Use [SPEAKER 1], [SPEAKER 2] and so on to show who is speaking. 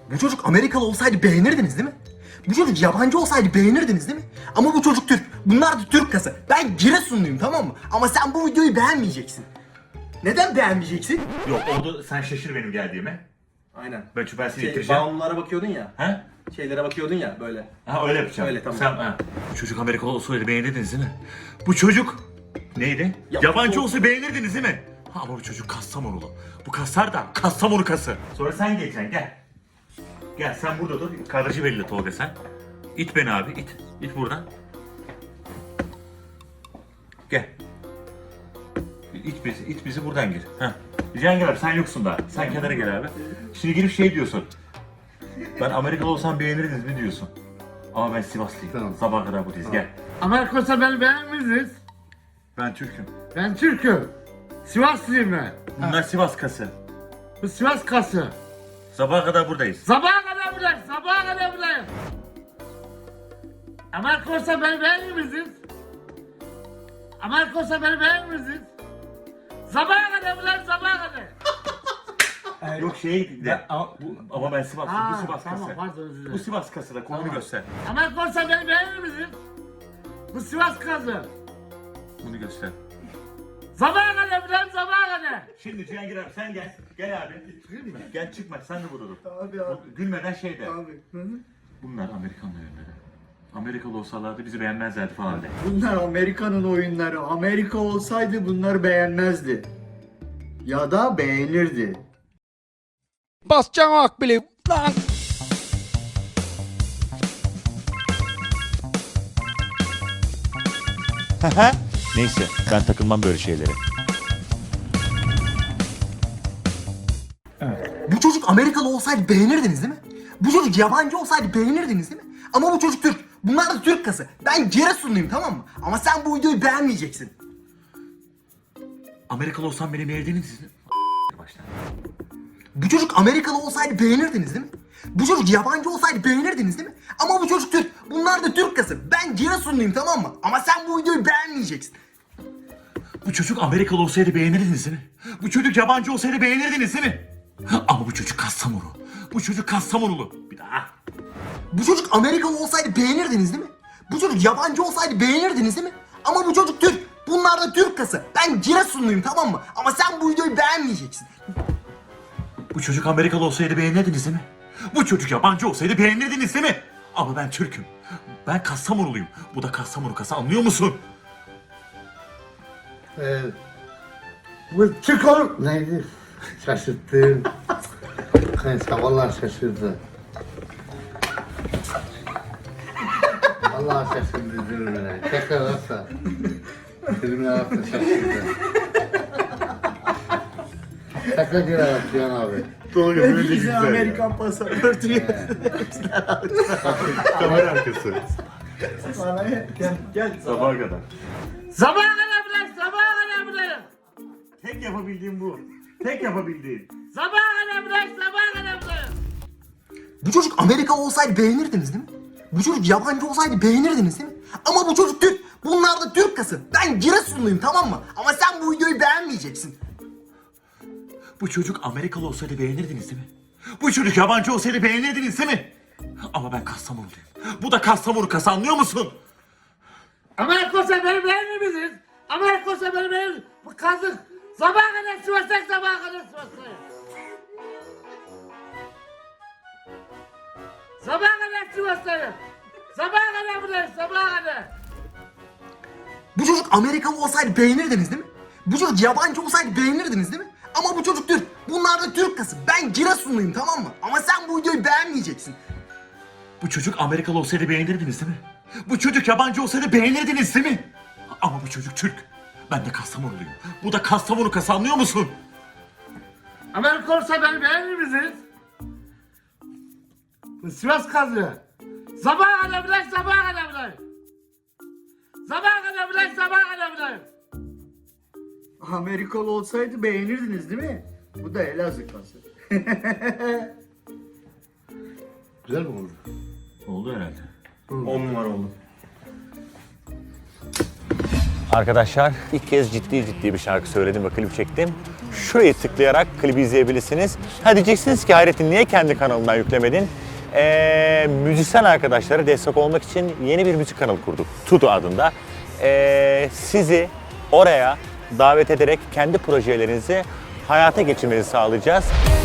[SPEAKER 1] Bu çocuk Amerikalı olsaydı beğenirdiniz değil mi? Bu çocuk yabancı olsaydı beğenirdiniz değil mi? Ama bu çocuk Türk. Bunlar da Türk kası. Ben Giresunluyum, tamam mı? Ama sen bu videoyu beğenmeyeceksin. Neden beğenmeyeceksin?
[SPEAKER 2] Yok orada sen şaşır benim geldiğime.
[SPEAKER 1] Aynen.
[SPEAKER 2] Ben seni getireceğim.
[SPEAKER 1] Bağımlılara bakıyordun ya.
[SPEAKER 2] He?
[SPEAKER 1] Şeylere bakıyordun ya böyle.
[SPEAKER 2] Ha öyle yapacağım.
[SPEAKER 1] Öyle, tamam.
[SPEAKER 2] Sen, ha. Bu çocuk Amerikalı olsaydı beğenirdiniz değil mi? Bu çocuk neydi?
[SPEAKER 1] Ya,
[SPEAKER 2] Yabancı
[SPEAKER 1] o-
[SPEAKER 2] olsa beğenirdiniz değil mi? Ha, ama bu çocuk Kastamonulu. Bu kaslar da Kastamonu kası. Sonra sen geleceksin gel. Gel sen burada dur. Kardeşi belli Tolga sen. İt beni abi it. İt buradan. Gel. İt bizi buradan gir. Heh. Cihangir abi sen yoksun daha. Sen kenara gel abi. Şimdi girip şey diyorsun. Ben Amerikalı olsam beğenirdiniz mi diyorsun. Ama ben Sivaslıyım.
[SPEAKER 3] Tamam.
[SPEAKER 2] Sabaha kadar buradayız gel.
[SPEAKER 3] Amerika olsa beni beğenmezsiniz.
[SPEAKER 2] Ben Türk'üm.
[SPEAKER 3] Ben Türk'üm. Sivaslıyım ben.
[SPEAKER 2] Bunlar Sivas kası.
[SPEAKER 3] Bu Sivas kası.
[SPEAKER 2] Sabaha kadar buradayız.
[SPEAKER 3] Sabaha kadar buradayım. Sabaha kadar buradayım. Amerika olsa beni beğenir misiniz? Amerika olsa beni beğenir misiniz? Sabaha kadar buradayım. Sabaha kadar.
[SPEAKER 2] Yok şeye de. Ama ben Sivaslıyım. Bu Sivas
[SPEAKER 3] tamam,
[SPEAKER 2] kası.
[SPEAKER 3] pardon, özür dilerim.
[SPEAKER 2] Bu Sivas kası da kolunu
[SPEAKER 3] Tamam.
[SPEAKER 2] göster.
[SPEAKER 3] Amerika olsa beni beğenir misiniz? Bu Sivas kası.
[SPEAKER 2] Bunu göster.
[SPEAKER 3] Sabaha kadar buradayım. Sabaha kadar.
[SPEAKER 2] Şimdi Cihangir abi sen gel. Gel abi. Gel çıkma sen de burada dur.
[SPEAKER 1] Abi abi.
[SPEAKER 2] Gülmeden şey de.
[SPEAKER 1] Abi.
[SPEAKER 2] Bunlar Amerikan oyunları. Amerikalı olsalardı bizi beğenmezlerdi falan de.
[SPEAKER 4] Bunlar Amerika'nın oyunları. Amerika olsaydı bunları beğenmezdi. Ya da beğenirdi.
[SPEAKER 5] Basacaksın akbili lan.
[SPEAKER 2] Neyse ben takılmam böyle şeylere.
[SPEAKER 1] Bu çocuk Amerikalı olsaydı beğenirdiniz değil mi? Bu çocuk yabancı olsaydı beğenirdiniz değil mi? Ama bu çocuk Türk. Bunlar da Türk kası. Ben Giresunluyum, tamam mı? Ama sen bu videoyu beğenmeyeceksin.
[SPEAKER 2] Amerikalı olsam beni beğenirdiniz mi? Başla.
[SPEAKER 1] Bu çocuk Amerikalı olsaydı beğenirdiniz değil mi? Bu çocuk yabancı olsaydı beğenirdiniz değil mi? Ama bu çocuk Türk. Bunlar da Türk kası. Ben Giresunluyum, tamam mı? Ama sen bu videoyu beğenmeyeceksin.
[SPEAKER 2] Bu çocuk Amerikalı olsaydı beğenirdiniz değil mi? Bu çocuk yabancı olsaydı beğenirdiniz değil mi? Ama bu çocuk Kastamonu. Bu çocuk Kastamonulu. Bir daha.
[SPEAKER 1] Bu çocuk Amerikalı olsaydı beğenirdiniz değil mi? Bu çocuk yabancı olsaydı beğenirdiniz değil mi? Ama bu çocuk Türk. Bunlar da Türk kası. Ben Giresunluyum, tamam mı? Ama sen bu videoyu beğenmeyeceksin.
[SPEAKER 2] Bu çocuk Amerikalı olsaydı beğenirdiniz değil mi? Bu çocuk yabancı olsaydı beğenirdiniz değil mi? Ama ben Türk'üm. Ben Kastamonuluyum. Bu da Kastamonu kası, anlıyor musun?
[SPEAKER 3] Bu Türk olur. Neydi? Şaşırttın. Neyse vallahi şaşırdı. Vallahi şaşırdı Zülmüne. Tekrar olsa. Zülmüne olsa şaşırdı. Tekrar geri Cihan abi.
[SPEAKER 2] Doğru, böyle
[SPEAKER 4] Bize Amerikan pasaportu
[SPEAKER 2] Kamera arkası.
[SPEAKER 4] Gel.
[SPEAKER 2] Sabaha kadar.
[SPEAKER 3] Sabaha kadar buradayım. Sabaha kadar buradayım.
[SPEAKER 2] Tek yapabildiğim bu. Tek yapabildiğim.
[SPEAKER 3] Sabaha kadar buradayım. Sabaha kadar buradayım.
[SPEAKER 1] Bu çocuk Amerikalı olsaydı beğenirdiniz değil mi? Bu çocuk yabancı olsaydı beğenirdiniz değil mi? Ama bu çocuk Türk. Bunlar da Türk kası. Ben Giresunluyum, tamam mı? Ama sen bu videoyu beğenmeyeceksin.
[SPEAKER 2] Bu çocuk Amerikalı olsaydı beğenirdiniz değil mi? Bu çocuk yabancı olsaydı beğenirdiniz değil mi? Ama ben Kastamonuluyum. Bu da Kastamonu kası, anlıyor musun?
[SPEAKER 3] Amerika olsa beni beğenir misiniz? Amerika olsa beni beğenir. Bu kazık. Sabaha kadar Sivas'tayım. Sabaha kadar Sivas'tayım. Sabaha kadar Sivas'tayım. Sabaha kadar buradayım. Sabaha kadar.
[SPEAKER 1] Bu çocuk Amerikalı olsaydı beğenirdiniz değil mi? Bu çocuk yabancı olsaydı beğenirdiniz değil mi? Ama bu çocuk Türk. Bunlar da Türk kası. Ben Giresunluyum, tamam mı? Ama sen bu videoyu beğenmeyeceksin.
[SPEAKER 2] Bu çocuk Amerikalı olsaydı beğenirdiniz değil mi? Bu çocuk yabancı olsaydı beğenirdiniz değil mi? Ama bu çocuk Türk. Ben de Kastamonuluyum. Bu da Kastamonu kası, anlıyor musun?
[SPEAKER 3] Amerika olsa beni beğenir misiniz? Bu Sivas kazı. Sabaha kadar buradayım. Sabaha kadar buradayım. Sabaha kadar buradayım. Sabaha kadar buradayım.
[SPEAKER 4] Amerikalı olsaydı beğenirdiniz değil mi? Bu da Elazığ kası.
[SPEAKER 3] Güzel mi oldu?
[SPEAKER 2] Oldu herhalde.
[SPEAKER 4] 10 numara oldu.
[SPEAKER 6] Arkadaşlar ilk kez ciddi bir şarkı söyledim ve klip çektim. şurayı tıklayarak klibi izleyebilirsiniz. Ha diyeceksiniz ki Hayrettin niye kendi kanalından yüklemedin? Müzisyen arkadaşlara destek olmak için yeni bir müzik kanalı kurduk. Tudu adında. Sizi oraya davet ederek kendi projelerinizi hayata geçirmenizi sağlayacağız.